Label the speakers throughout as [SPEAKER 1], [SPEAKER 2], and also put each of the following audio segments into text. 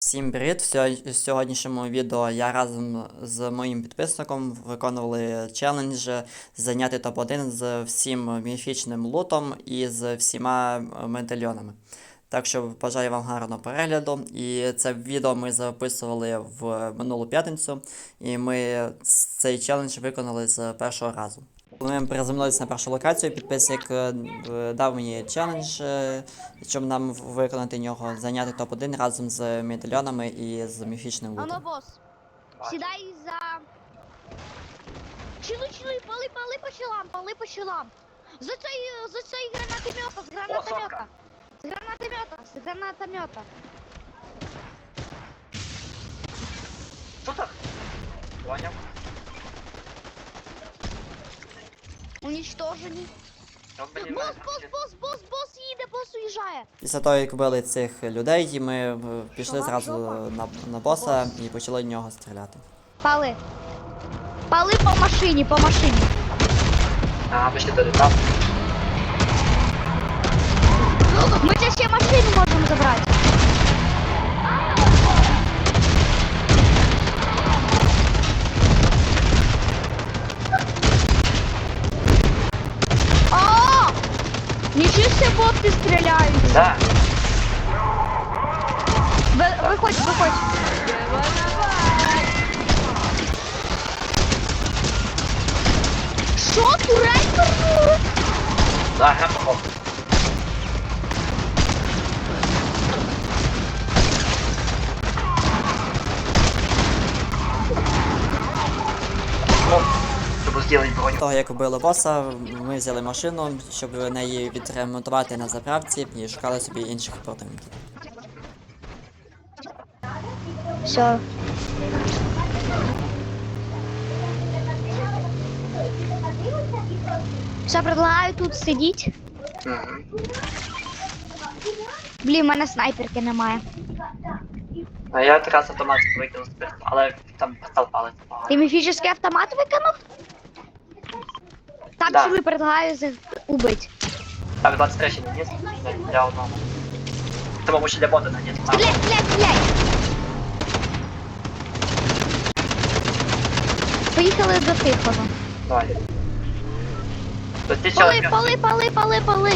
[SPEAKER 1] Всім привіт! В сьогоднішньому відео я разом з моїм підписником виконували челендж зайняти топ-1 з всім міфічним лутом і з всіма медальйонами. Так що бажаю вам гарного перегляду. І це відео ми записували в минулу п'ятницю, і ми цей челендж виконали з першого разу. Коли ми приземлилися на першу локацію, підписник дав мені челендж, щоб нам виконати нього, зайняти топ-1 разом з медальйонами і з міфічним лутом.
[SPEAKER 2] Ано, бос, сідай за... Чили, пали по щелам. За цей гранатомета, з гранатомета.
[SPEAKER 3] Що так? Поняв.
[SPEAKER 2] Уничтожені. Бос їде, бос уїжджає.
[SPEAKER 1] Після того, як вбили цих людей, ми пішли зразу на боса і почали в нього стріляти.
[SPEAKER 2] Пали по машині.
[SPEAKER 3] А, ми ще долітав.
[SPEAKER 2] Ми це ще машину можемо забрати. О! Нічого себе боти стріляють.
[SPEAKER 3] Да.
[SPEAKER 2] Виходь. Що, турель?
[SPEAKER 3] Да, гранатомет. Щоб зробити броню.
[SPEAKER 1] Після того, як вбили боса, ми взяли машину, щоб неї відремонтувати на заправці і шукали собі інших противників.
[SPEAKER 2] Все. Все, предлагаю тут сидіти.
[SPEAKER 3] Мгм.
[SPEAKER 2] Блін, в мене снайперки немає.
[SPEAKER 3] А я якраз автомат викинув з пистолета, але там пистол палець.
[SPEAKER 2] Ти міфічний автомат викинув? Так,
[SPEAKER 3] Да.
[SPEAKER 2] що ви предлагаю убити.
[SPEAKER 3] Так, 23 ще не є, для одного. Тому ще для бота не є.
[SPEAKER 2] Стріляй! Поїхали до тихого.
[SPEAKER 3] Давай. То ти
[SPEAKER 2] Пали!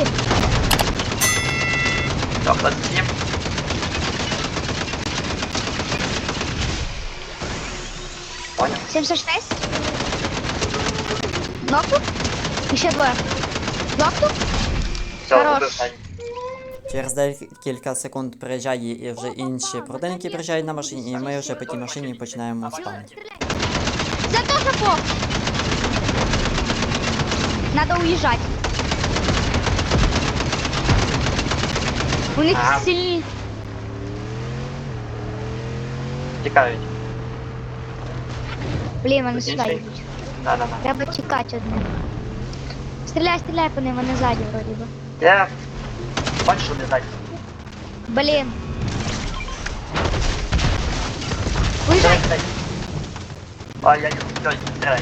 [SPEAKER 3] Так, 27. Понял.
[SPEAKER 2] 76. Нокнув? І ще двоє. Нокнув?
[SPEAKER 3] Все,
[SPEAKER 2] Хорош.
[SPEAKER 3] убив Саню.
[SPEAKER 1] Через декілька секунд приїжджає і вже інші противники приїжджають на машині, і ми вже по тій машині починаємо спамити.
[SPEAKER 2] За то жопо! Надо уїжджати. У них
[SPEAKER 3] Ага.
[SPEAKER 2] сильні.
[SPEAKER 3] Тікають.
[SPEAKER 2] Блін, вони сюди
[SPEAKER 3] Інший?
[SPEAKER 2] йдуть.
[SPEAKER 3] Да.
[SPEAKER 2] Треба тікати одне. Стріляй по ним, вони ззаді вроді би.
[SPEAKER 3] Я... Бачиш, що не ззаді?
[SPEAKER 2] Блін. Уїжджай!
[SPEAKER 3] А, я не знаю, стріляй.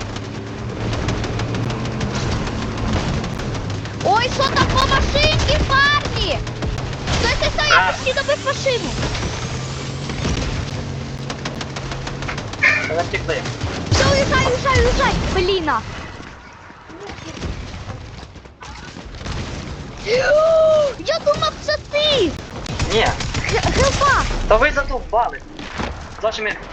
[SPEAKER 2] Ой, що там по машинці, парні? Стой, я почти добив машину.
[SPEAKER 3] Вони втекли.
[SPEAKER 2] Все, уїжджай. Бліна. Я думав, це ти.
[SPEAKER 3] Ні,
[SPEAKER 2] Гелпа.
[SPEAKER 3] та ви задовбали. За що ми...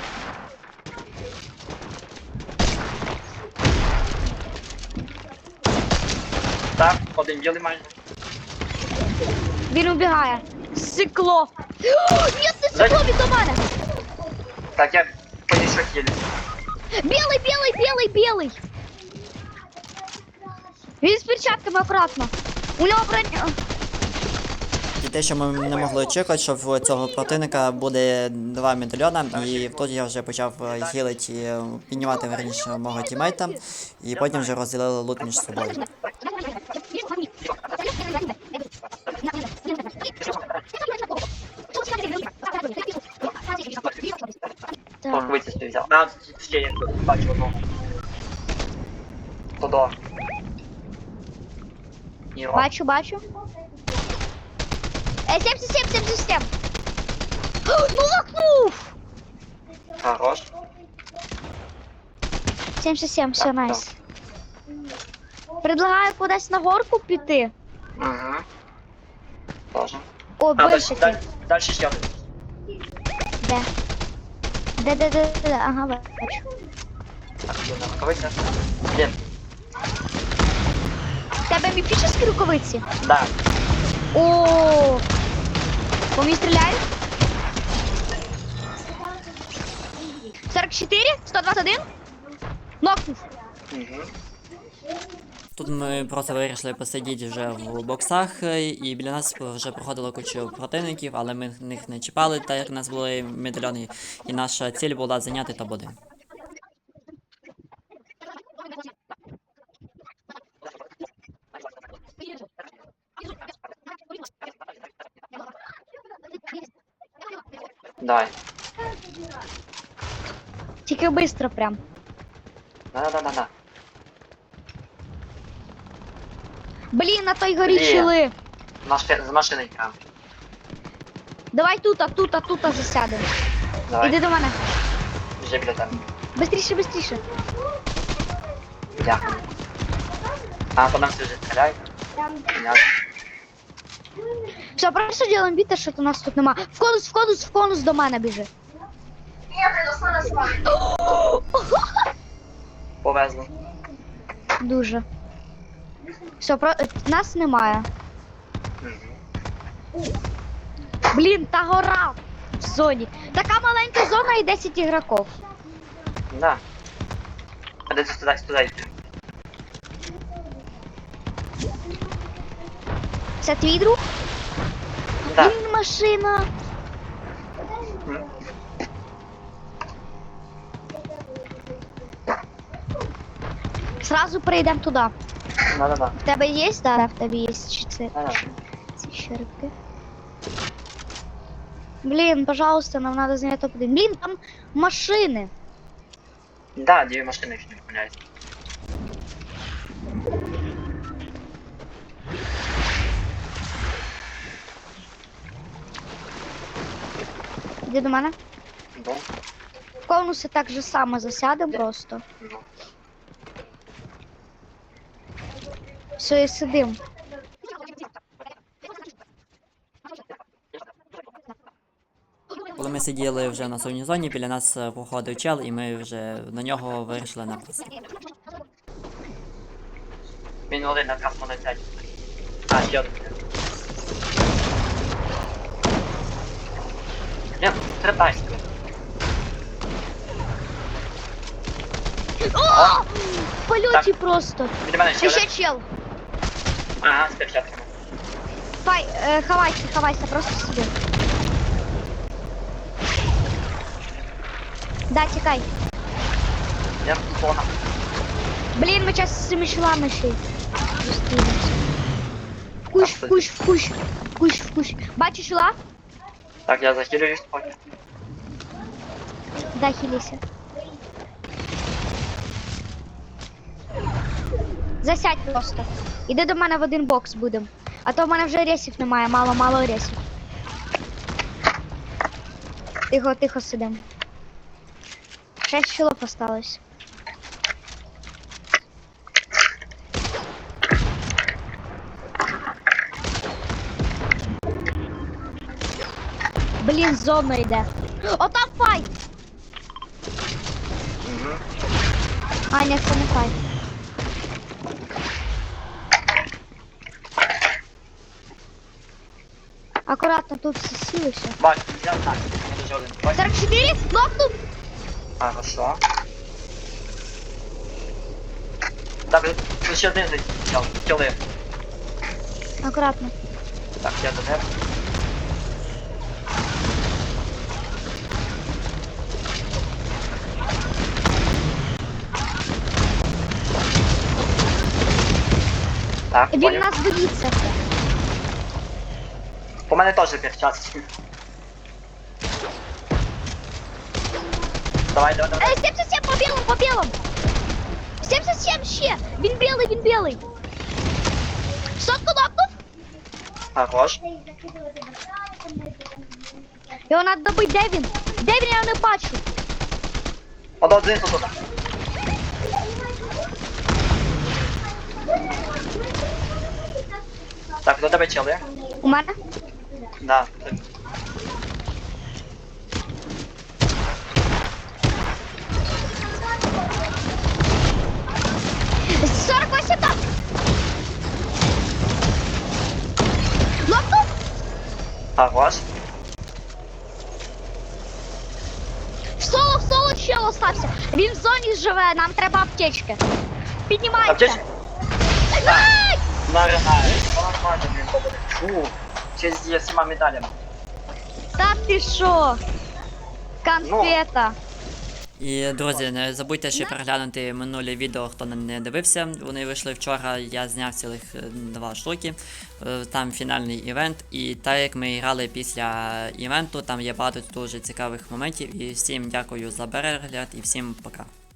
[SPEAKER 3] Так, один білий майже.
[SPEAKER 2] Він убігає. Сикло. Ні, не сикло, він до мене.
[SPEAKER 3] Так, я понесу хілі.
[SPEAKER 2] Білий. Він з перчатками акуратно. У нього броня.
[SPEAKER 1] І те, що ми не могли очікувати, що в цього противника буде 2 медальйона, і тут я вже почав хілити, піднімати верніше мого тімейта, і потім вже розділили лут між собою.
[SPEAKER 3] Порковиці собі взяв. А, ще я бачу одного. Тодо.
[SPEAKER 2] Бачу. 77. Ну,
[SPEAKER 3] Хорош.
[SPEAKER 2] 77, все,
[SPEAKER 3] Так,
[SPEAKER 2] найс. Предлагаю кудись на горку піти.
[SPEAKER 3] Угу. Тоже.
[SPEAKER 2] О,
[SPEAKER 3] А, дальше,
[SPEAKER 2] бачите.
[SPEAKER 3] дальше ще один.
[SPEAKER 2] Де? Де. Ага, бачу.
[SPEAKER 3] Так, іду на рукавиця. Блін,
[SPEAKER 2] В тебе міфічні рукавиці?
[SPEAKER 3] да.
[SPEAKER 2] О, по мені стріляють? 44? 121? Нокнув.
[SPEAKER 3] Угу.
[SPEAKER 1] Тут ми просто вирішили посидіти вже в боксах, і біля нас вже проходило кучу противників, але ми них не чіпали, так як у нас були медальйони, і наша ціль була зайняти топ-1.
[SPEAKER 3] Давай.
[SPEAKER 2] Тільки швидко прям.
[SPEAKER 3] Да.
[SPEAKER 2] Блін, на той горі
[SPEAKER 3] Блін.
[SPEAKER 2] чили.
[SPEAKER 3] З машини прям.
[SPEAKER 2] Давай тут засядемо.
[SPEAKER 3] Давай.
[SPEAKER 2] Іди до мене.
[SPEAKER 3] Вже біля тебе.
[SPEAKER 2] Бистріше.
[SPEAKER 3] Дякую. А, по нам все вже стріляють. Понятно.
[SPEAKER 2] Все, просто делаем вид, що у нас тут нема. В конус до мене біжи.
[SPEAKER 3] Повезло.
[SPEAKER 2] Дуже. Все, нас немає.
[SPEAKER 3] Угу.
[SPEAKER 2] Блін, та гора в зоні. Така маленька зона і 10 ігроків.
[SPEAKER 3] Да. А де ти сюди йти?
[SPEAKER 2] Це твій друг?
[SPEAKER 3] Да.
[SPEAKER 2] Блін, машина.
[SPEAKER 3] М.
[SPEAKER 2] Сразу перейдемо туди.
[SPEAKER 3] Да.
[SPEAKER 2] В тебе є? Да, в тебе є. Чи це
[SPEAKER 3] Да.
[SPEAKER 2] ці щерки? Блін, пожалуйста, нам надо зайняти топ-1. Блін, там машини.
[SPEAKER 3] Да, дві машини, якщо не помиляюсь.
[SPEAKER 2] Іди до мене.
[SPEAKER 3] Ну,
[SPEAKER 2] В конуси так же само засядемо просто.
[SPEAKER 3] ну.
[SPEAKER 2] Все, і сидим.
[SPEAKER 1] Коли ми сиділи вже на сонній зоні, біля нас проходив чел, і ми вже на нього вирішили напасти.
[SPEAKER 3] Він один на красну на 5. А, ще один. Блін, стрибайся.
[SPEAKER 2] О! В польоті
[SPEAKER 3] Так.
[SPEAKER 2] просто.
[SPEAKER 3] Біля мене ще
[SPEAKER 2] І ще
[SPEAKER 3] один.
[SPEAKER 2] чел.
[SPEAKER 3] Ага, з перчатками.
[SPEAKER 2] Ховайся, просто сиди. Да, тікай.
[SPEAKER 3] Я зона.
[SPEAKER 2] Блін, ми зараз з цими челами ще й зустрінемося. В кущ. Бачиш чела?
[SPEAKER 3] Так, я захилююсь поки.
[SPEAKER 2] Да, хилися. Засядь просто. Іди до мене в один бокс будем. А то в мене вже ресів немає, мало ресів. Тихо сидим. 6 чолов осталось. Блін, зона йде. О, там файт!
[SPEAKER 3] Угу.
[SPEAKER 2] А, ні, це не файт. Акуратно, тут всі сіли все.
[SPEAKER 3] Бач, я так. Я дуже один. Бач.
[SPEAKER 2] 44? Нокнув!
[SPEAKER 3] Хорошо. Так, тут ще один зайшов. Кіли.
[SPEAKER 2] Акуратно.
[SPEAKER 3] Так, я до тебе. Так,
[SPEAKER 2] Він
[SPEAKER 3] понял.
[SPEAKER 2] нас боїться.
[SPEAKER 3] У мене теж перчатки. Давай.
[SPEAKER 2] 77 по білому! 77 ще! Він білий! Сотку нокнув!
[SPEAKER 3] Хорош.
[SPEAKER 2] Його треба добити, де він? Де він, я не бачу.
[SPEAKER 3] Один тут. Так, до тебе чел, є?
[SPEAKER 2] У мене?
[SPEAKER 3] Да.
[SPEAKER 2] 48 там! Лопнув!
[SPEAKER 3] Хорош.
[SPEAKER 2] Соло чел остався. Він в зоні живе, нам треба аптечки. Піднімайся.
[SPEAKER 3] Аптечки?
[SPEAKER 2] Ай!
[SPEAKER 3] Нормально, блін, побуде. Фу. Через зі всіма медалями.
[SPEAKER 2] Та ти що? Конфета.
[SPEAKER 1] І, друзі, не забудьте ще переглянути минулі відео, хто не дивився. Вони вийшли вчора, я зняв цілих 2 штуки. Там фінальний івент. І так як ми грали після івенту, там є багато дуже цікавих моментів. І всім дякую за перегляд і всім пока.